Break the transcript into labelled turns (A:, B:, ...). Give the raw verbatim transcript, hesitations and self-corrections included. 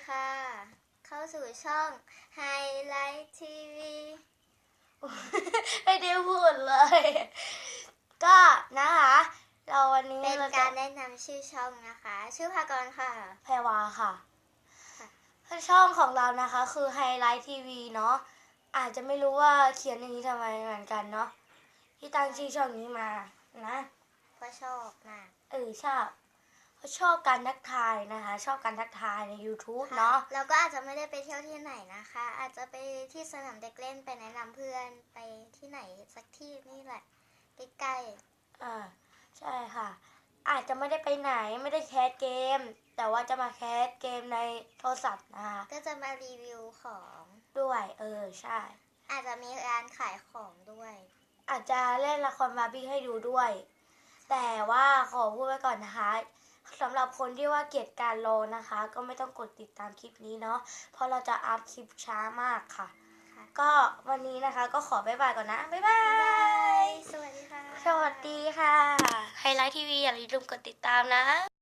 A: ค่ะ เข้าสู่ช่องไฮไลท์ทีวี
B: ไม่ได้พูดเลย ก็นะคะ เราวันนี้
A: เป็น
B: เรา
A: กา
B: จะ
A: รแนะนำชื่อช่องนะคะ ชื่อภากรค่ะ
B: แพรวาค่ะ
A: ค่ะ
B: ช่องของเรานะคะคือไฮไลท์ทีวีเนาะอาจจะไม่รู้ว่าเขียนอย่างนี้ทำไมเหมือนกันเนาะที่ตั้งชื่อช่องนี้มานะ
A: เพราะชอบมาก
B: เออชอบเพราะชอบการทักทายนะคะ ชอบการทักทายใน YouTube
A: ค่ะ
B: เนาะ
A: เราก็อาจจะไม่ได้ไปเที่ยวที่ไหนนะคะ อาจจะไปที่สนามเด็กเล่นไปแนะนำเพื่อนไปที่ไหนสักที่นี่แหละใกล้
B: อ่าใช่ค่ะ อาจจะไม่ได้ไปไหนไม่ได้แคสเกม แต่ว่าจะมาแคสเกมในโทรศัพท์นะคะ
A: ๆก็จะมารีวิวของ
B: ด้วยเออใช่
A: อาจจะมีร้านขายของด้วย
B: อาจจะเล่นละครบาร์บี้ให้ดูด้วย แต่ว่าขอพูดไว้ก่อนนะคะสำหรับคนที่ว่าเกลียดการรอนะคะ ก็ไม่ต้องกดติดตามคลิปนี้เนาะเพราะเราจะอัพคลิปช้ามากค่ะ
A: ค่ะ
B: ก็วันนี้นะคะก็ขอบ๊ายบายก่อนนะบ๊ายบา
A: บ๊ายบาย
B: ย
A: สวัสดีค่ะ
B: สวัสดีค่ะไฮไลท์ทีวีอย่าลืมกดติดตามนะ